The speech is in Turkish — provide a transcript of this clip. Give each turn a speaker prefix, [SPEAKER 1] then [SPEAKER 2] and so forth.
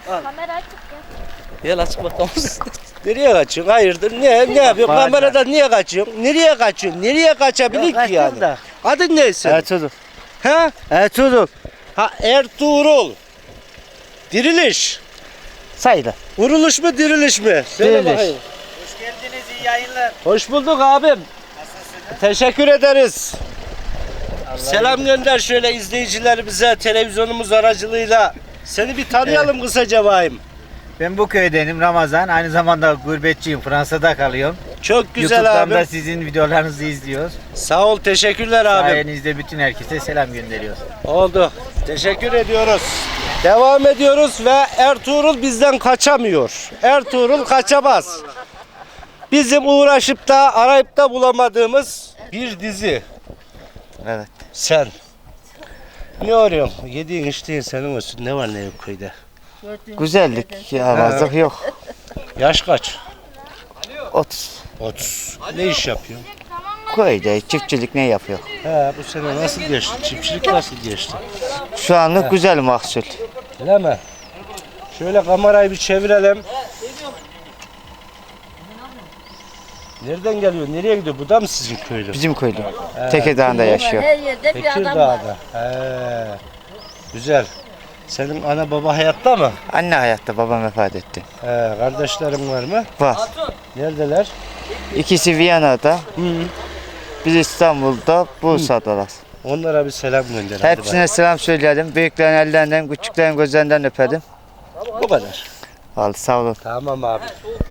[SPEAKER 1] Kamera açık ya.
[SPEAKER 2] Gel açık bakalım.
[SPEAKER 3] Nereye kaçıyorsun? Hayırdır? Ne yapıyorsun? Kameradan niye kaçıyorsun? Nereye kaçıyorsun? Nereye kaçabilir ki yani?
[SPEAKER 4] Da.
[SPEAKER 3] Adın ne senin?
[SPEAKER 4] Ertuğrul.
[SPEAKER 3] Ha?
[SPEAKER 4] Ertuğrul.
[SPEAKER 3] Ha Ertuğrul. Diriliş.
[SPEAKER 4] Sayılır.
[SPEAKER 3] Vuruluş mu diriliş mi? Söyle
[SPEAKER 4] Diriliş.
[SPEAKER 3] bakayım.
[SPEAKER 4] Hoş geldiniz, iyi yayınlar.
[SPEAKER 3] Hoş bulduk abim. Teşekkür ederiz. Selam gönder şöyle izleyicilerimize televizyonumuz aracılığıyla. Seni bir tanıyalım kısaca bayım.
[SPEAKER 4] Ben bu köydenim, Ramazan. Aynı zamanda gurbetçiyim, Fransa'da kalıyorum.
[SPEAKER 3] Çok güzel
[SPEAKER 4] YouTube'dan da
[SPEAKER 3] abim.
[SPEAKER 4] sizin videolarınızı izliyoruz.
[SPEAKER 3] Sağ ol, teşekkürler abim.
[SPEAKER 4] Sayenizde bütün herkese selam gönderiyoruz.
[SPEAKER 3] Oldu. Teşekkür ediyoruz. Devam ediyoruz ve Ertuğrul bizden kaçamıyor. Ertuğrul kaçamaz. Bizim uğraşıp da arayıp da bulamadığımız bir dizi.
[SPEAKER 4] Evet.
[SPEAKER 3] Sen. Ne arıyorsun? Yediğin içtiğin senin olsun. Ne var ne yok köyde?
[SPEAKER 4] Güzellik, yavazlık yok.
[SPEAKER 3] Yaş kaç?
[SPEAKER 4] 30.
[SPEAKER 3] 30. Ne iş yapıyorsun?
[SPEAKER 4] Köyde çiftçilik ne yapıyor?
[SPEAKER 3] He, bu sene nasıl geçti? Çiftçilik nasıl geçti?
[SPEAKER 4] Şu anlık güzel mahsul.
[SPEAKER 3] Öyle mi? Şöyle kamerayı bir çevirelim. Nereden geliyor? Nereye gidiyor? Bu da mı sizin köylü?
[SPEAKER 4] Bizim köylü. Tekirdağ'da yaşıyor.
[SPEAKER 1] Her yerde bir adam var.
[SPEAKER 3] Tekirdağ'da. He. Güzel. Senin ana baba hayatta mı?
[SPEAKER 4] Anne hayatta, babam vefat etti.
[SPEAKER 3] He, kardeşlerin var mı?
[SPEAKER 4] Var.
[SPEAKER 3] Neredeler?
[SPEAKER 4] İkisi Viyana'da,
[SPEAKER 3] Hı.
[SPEAKER 4] biz İstanbul'da, Bursa'dalar.
[SPEAKER 3] Onlara bir selam gönder. hadi
[SPEAKER 4] Hepsine selam söyledim. Büyüklerin ellerinden, küçüklerin gözlerinden öpedim.
[SPEAKER 3] bak. Bu kadar.
[SPEAKER 4] Vallahi sağ olun.
[SPEAKER 3] Tamam abi.